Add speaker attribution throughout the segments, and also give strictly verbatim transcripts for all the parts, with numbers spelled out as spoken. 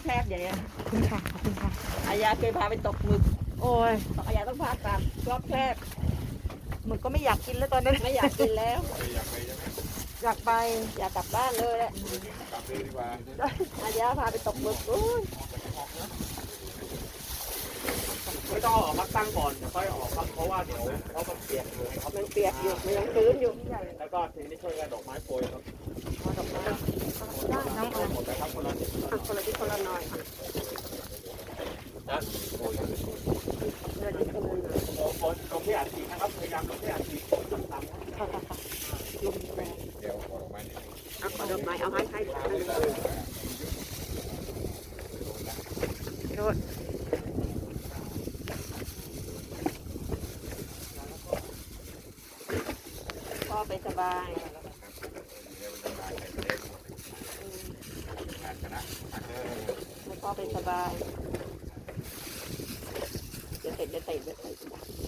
Speaker 1: แคบอย่างเงี้ย
Speaker 2: ขอบคุณค่ะขอบคุณค่ะ
Speaker 1: อายาเคยพาไปตกหมึก
Speaker 2: โอ้ย
Speaker 1: อายาต้องพาตามรอบแคบ
Speaker 2: หมึกก็ไม่อยากกินแล้วตอนนั้น
Speaker 1: ไม่อยากกินแล้ว
Speaker 3: อยากไปใช่ไหม
Speaker 2: อยากไป
Speaker 1: อยากกลับบ้านเลยแหละ
Speaker 3: กลับเลยดีกว่า
Speaker 1: อายาพาไปตกหมึกอุ้ย
Speaker 4: ไม่ต้องออกพักตั้งก่อนเดี๋ยวค่อยออกครับเพราะว่าเดี๋ยวเขามันเปียกอยู่ครับ
Speaker 1: มันเปียกอยู่มันยังชื้นอยู่
Speaker 4: แล้วก็ทีนี้ช่วยกันดอกไม้โปรยครับ
Speaker 1: ดอกไม้
Speaker 2: น้องออย
Speaker 4: หมดเลยครับคนละนิด
Speaker 1: อ่ะคนละที่คนละหน่อย
Speaker 4: นะ
Speaker 1: เดือนที่คนละหน่อย
Speaker 4: โอ้โหลงที่อัดฉีดนะครับพยายามลงที่อัดฉีดต่ำๆนะ
Speaker 1: ค่ะค่ะค่ะลมแรง
Speaker 3: เดี๋ยวขอดอกไม้นิดนึง
Speaker 1: เอาขอดอกไม้เอาให้ให้ให้
Speaker 2: โรด
Speaker 1: พ่อไปสบาย
Speaker 3: เดี๋ยวจะมาใส่เล็กขาดคณะเออ
Speaker 1: ให้พ่อไปสบายเดี๋ยวเตะเดี๋ยวเตะเดี๋ยวเตะ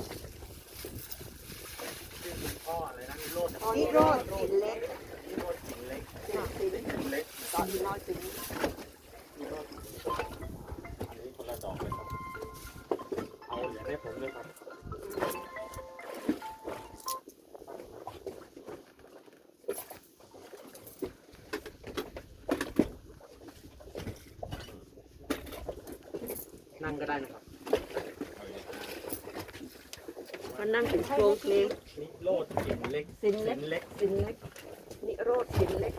Speaker 4: พ่ออะไรนะนิโรธ
Speaker 1: พ่อนี่โรดสินเล็ก
Speaker 4: นิโรธหินเล็ก
Speaker 1: สิน
Speaker 4: หินเล็ก
Speaker 1: ตอนน้อยสิน
Speaker 4: นิโรธอันนี้คนละดอกเลยครับเอาเหรียญให้ผมเลยครับนั่งก็ได้นะครับ
Speaker 1: มันนั่งถึงโครงเพลง
Speaker 4: นิโรธหินเล็ก
Speaker 1: สินเล็
Speaker 4: หิ
Speaker 1: ก
Speaker 4: นเล็ก
Speaker 1: สินเล็กนิโรธสินเล็ก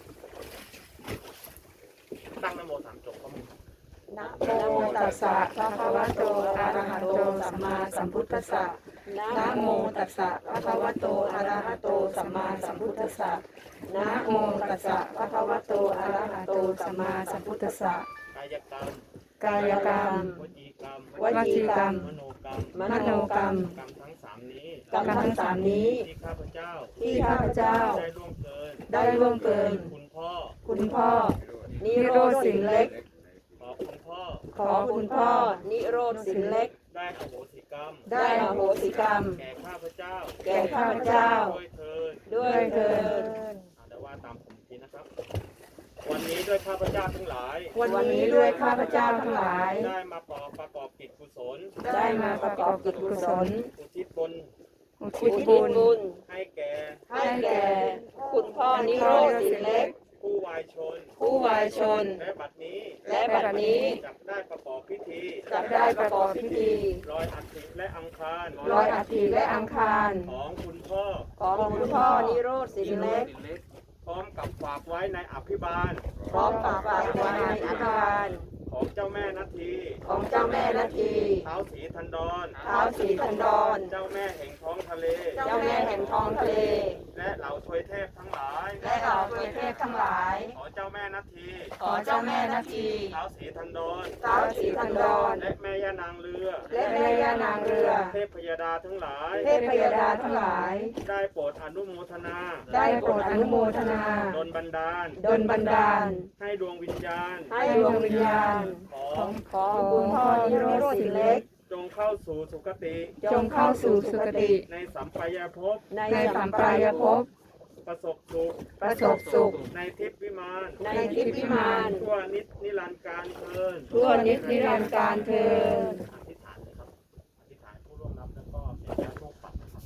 Speaker 4: ตั้งนโมสามจบครับ
Speaker 1: นะ
Speaker 2: นะโมตัสสะภะคะวะโตอะระหะโตสัมมาสัมพุทธัสสะ
Speaker 1: นะ
Speaker 2: นะโมตัสสะภะคะวะโตอะระหะโตสัมมาสัมพุทธัสสะนะโมตัสสะภะคะวะโตอะระหะโตสัมมาสัมพุทธัสสะ
Speaker 4: กายกรรม
Speaker 2: กายกรรม
Speaker 4: วจีกรรม
Speaker 2: วจีกรรม
Speaker 4: มโนกรรม
Speaker 1: ม
Speaker 2: มโนกรรม
Speaker 4: กรรมทั้งสามนี้
Speaker 1: กรรมทั้งสามนี้
Speaker 4: ที่ข้าพเจ้า
Speaker 1: ที่ข้าพเจ้า
Speaker 4: ได้ล่วงเกิน
Speaker 2: ได้ล่วงเกิน
Speaker 4: คุณพ่อ
Speaker 2: คุณพ่อ
Speaker 1: นิโรธสินเล็ก
Speaker 4: ขอคุณพ่อ
Speaker 2: ขอคุณพ่อ
Speaker 1: นิโรธสินเล็ก
Speaker 4: ได้อโหสิกรรม
Speaker 2: ได้อโหสิกรรม
Speaker 4: แก่ข้าพเจ้า
Speaker 1: แก่ข้าพเจ้า
Speaker 4: ด้วยเถิด
Speaker 1: ด้วยเถิด
Speaker 4: อ่าเดี๋ยวว่าตามผมทีนะครับ วันนี้ด้วยข้าพเจ้าทั้งหลาย
Speaker 2: วันนี้ด้วยข้าพเจ้าทั้งหลาย
Speaker 4: ได้มาประกอบประกอบกิจกุศล
Speaker 2: ได้มาประกอบกิจกุศล
Speaker 4: อุทิศบุญ
Speaker 2: อุ
Speaker 1: อุ
Speaker 2: ทิศ
Speaker 1: ทิศ
Speaker 2: บุญ
Speaker 1: บุญ
Speaker 4: ให้แก่
Speaker 1: ให้แก่คุณพ่อนิโรธสินเล็ก
Speaker 4: ผู้วายชน
Speaker 2: ผู้วายชน
Speaker 4: และบัดนี้
Speaker 1: และบัดนี้
Speaker 4: จักได้ประกอบพิธี
Speaker 1: จะได้ประกอบพิธี
Speaker 4: ลอยอัฐิและอังคาร
Speaker 2: ลอยอัฐิและอังคาร
Speaker 4: ของคุณพ่อ
Speaker 1: ของคุณพ่อนิโรธสินเล็ก
Speaker 4: พร้อมกับฝากไว้ในอภิบาล
Speaker 1: พร้อมฝากไว้ในอาคาร
Speaker 4: ของเจ้าแม่นาที
Speaker 1: ของเจ้าแม่นาที
Speaker 4: เท้าสีทันดร
Speaker 1: เท้าสีทันดร
Speaker 4: เจ้าแม่แห่งท้องทะเล
Speaker 1: เจ้าแม่แห่งท้องทะเล
Speaker 4: และเหล่าทวยเทพทั้งหลาย
Speaker 1: และเหล่าเทพทั้งหลาย
Speaker 4: ขอเจ้าแม่นาที
Speaker 1: ขอเจ้าแม่นาที
Speaker 4: เท้าสีทันดร
Speaker 1: เท้าสีทันดร
Speaker 4: และแม่ย่านางเรือ
Speaker 1: และแม่ย่านางเรือ
Speaker 4: เทพพยดาทั้งหลาย
Speaker 2: เทพพยดาทั้งหลาย
Speaker 4: ได้โปรดอนุโมทนา
Speaker 2: ได้โปรดอนุโมทนา
Speaker 4: ดลบันดาล
Speaker 2: ดลบันดาล
Speaker 4: ให้ดวงวิญญาณ
Speaker 1: ให้ดวงวิญญาณ
Speaker 4: ของ
Speaker 1: ของคุณพ่อนิโรธสินเล็ก
Speaker 4: จงเข้าสู่สุคติ
Speaker 2: จงเข้าสู่สุคติ
Speaker 4: ในสัมปายภพ
Speaker 1: ใน
Speaker 2: ในสัมปรายภพ
Speaker 4: ประสบสุข
Speaker 2: ประสบสุข
Speaker 4: ในทิพย์วิมาน
Speaker 1: ในทิพย์วิมาน
Speaker 4: ทั่วนิจนิรันดร์การเทิน
Speaker 2: ทั่วนิจนิรันดร์การเทิน
Speaker 4: อธิษฐานเลยครับอธิษฐานผู้ร่วมรับแล้วก็เป็นญาติโลกปัดนะครับ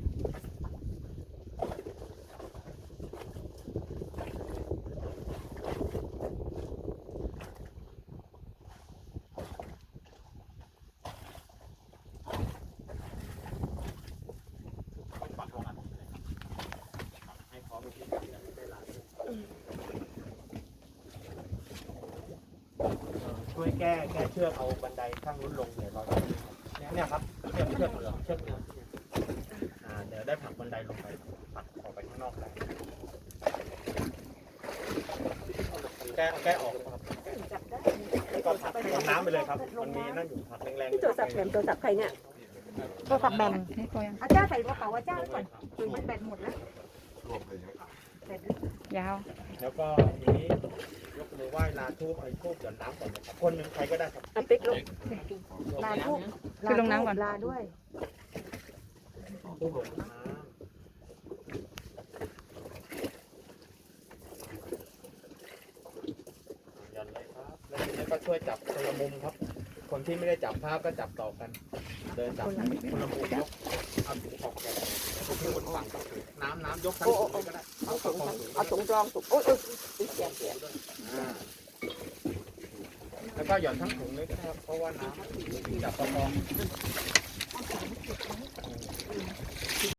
Speaker 4: ปัดลงอันนี้เลยครับให้พร้อมที่จะได้หลายช่วยแก้แก้เชือกเอาบันไดข้างนู้นลงเดี๋ยวเราเนี่ยเนี่ยครับเชือกเชือกเหลืองเชือกเหลืองอ่าเดี๋ยวได้ผลักบันไดลงไปปัดออกไปข้างนอกได้แก้แก้ออกเลยครับแล้วก็ผลักลงน้ำไปเลยครับมันมีนั่นอยู่ผลักแรงๆ
Speaker 1: ที่โทรศัพท์แถมโทรศัพท์ใครเนี่ย
Speaker 2: โทรศัพท์แบมนี่โทรยัง
Speaker 5: อาจารย์ใส่กระเป๋าอาจารย์ก่อนมันแบตหมดแล้ว
Speaker 3: รวมเลยเยอะ
Speaker 2: ยาว
Speaker 4: แล้วก็ทีนี้ยกมือไหว้ลาทูบไอ้ทูบหย่อนน้ำก่อนนะครับคนหนึ่งใครก็ได้ครับ
Speaker 1: อ่ะปิ๊กลูก
Speaker 5: ลาทุก
Speaker 2: คือลงน้ำก่อน
Speaker 5: ลาด้วย
Speaker 4: ทูบหลงน้ำหย่อนเลยครับแล้วทีนี้ก็ช่วยจับคนละมุมครับ คนที่ไม่ได้จับภาพก็จับต่อกัน เดินจับคนละมุมยกเอาถุงออกแกคนที่บนฝั่งกับน้ำน้ำยกทั้งถุงเลยก็ได้
Speaker 1: เอาถุงเอาถุงรองถุงโอ้ยโอ้ยเสียเสีย
Speaker 4: อ่าแล้วก็หย่อนทั้งถุงเลยก็ได้ครับเพราะว่าน้ำจับประคอง